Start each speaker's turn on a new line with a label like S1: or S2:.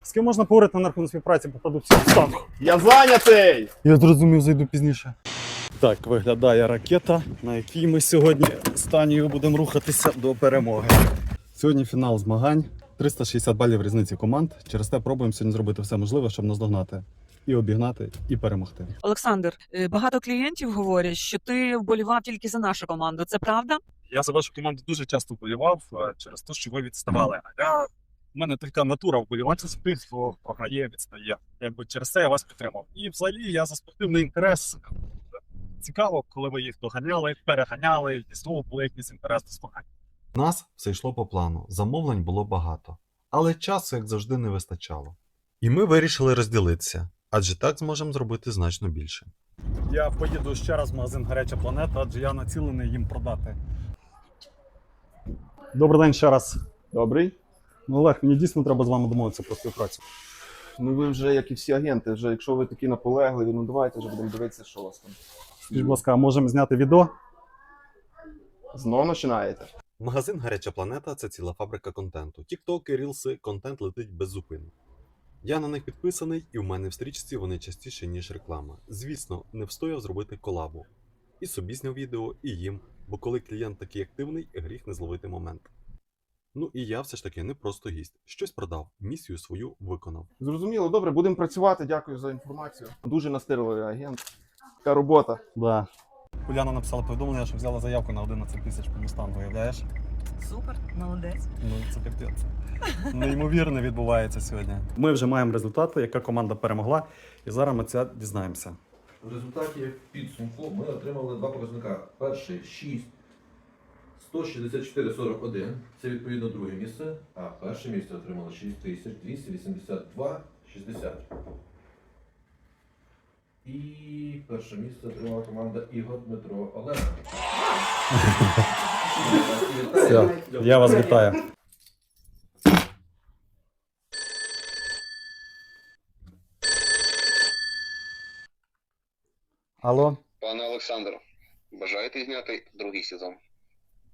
S1: З ким можна поговорити на рахунок співпраці по продукції станку?
S2: Я зайнятий!
S1: Я зрозумів, зайду пізніше. Так виглядає ракета, на якій ми сьогодні з Танією будемо рухатися до перемоги. Сьогодні фінал змагань. 360 балів різниці команд. Через те пробуємо сьогодні зробити все можливе, щоб наздогнати. І обігнати, і перемогти.
S3: Олександр, багато клієнтів говорять, що ти вболівав тільки за нашу команду. Це правда?
S4: Я за вашу команду дуже часто вболівав через те, що ви відставали. У мене така натура вболівати за тих, хто програє, відстає. Якби через це я вас підтримав. І взагалі я за спортивний інтерес. Цікаво, коли ви їх доганяли, переганяли, і знову були якісь інтерес до змагань.
S5: У нас все йшло по плану, замовлень було багато, але часу, як завжди, не вистачало. І ми вирішили розділитися, адже так зможемо зробити значно більше.
S1: Я поїду ще раз в магазин «Гаряча планета», адже я націлений їм продати. Добрий день ще раз.
S2: Добрий.
S1: Ну, Олег, мені дійсно треба з вами домовитися про співпрацю.
S2: Ну ви вже, як і всі агенти, вже якщо ви такі наполегливі, ну давайте вже будемо дивитися, що у вас там.
S1: Скажіть, будь ласка, а можемо зняти відео?
S2: Знову починаєте?
S5: Магазин «Гаряча планета» – це ціла фабрика контенту. Тіктоки, рілси, контент летить без зупину. Я на них підписаний, і в мене в стрічці вони частіше, ніж реклама. Звісно, не встояв зробити колабу. І собі зняв відео, і їм, бо коли клієнт такий активний, гріх не зловити момент. Ну і я все ж таки не просто гість. Щось продав, місію свою виконав.
S2: Зрозуміло, добре, будемо працювати, дякую за інформацію. Дуже настирливий агент. Така робота.
S1: Да. Уляна написала повідомлення, що взяла заявку на 11 тисяч по містам, виявляєш?
S3: Супер, молодець.
S1: Ну, це капець. Неймовірне відбувається сьогодні. Ми вже маємо результати, яка команда перемогла, і зараз ми це дізнаємося.
S6: В результаті підсумку ми отримали два показника. Перший 6 164,41. Це відповідно друге місце. А перше місце отримало 6282,60. І перше місце отримала команда Ігор Дмитро Олег.
S1: Все, я вас вітаю. Алло?
S7: Пане Олександр, бажаєте зняти другий сезон?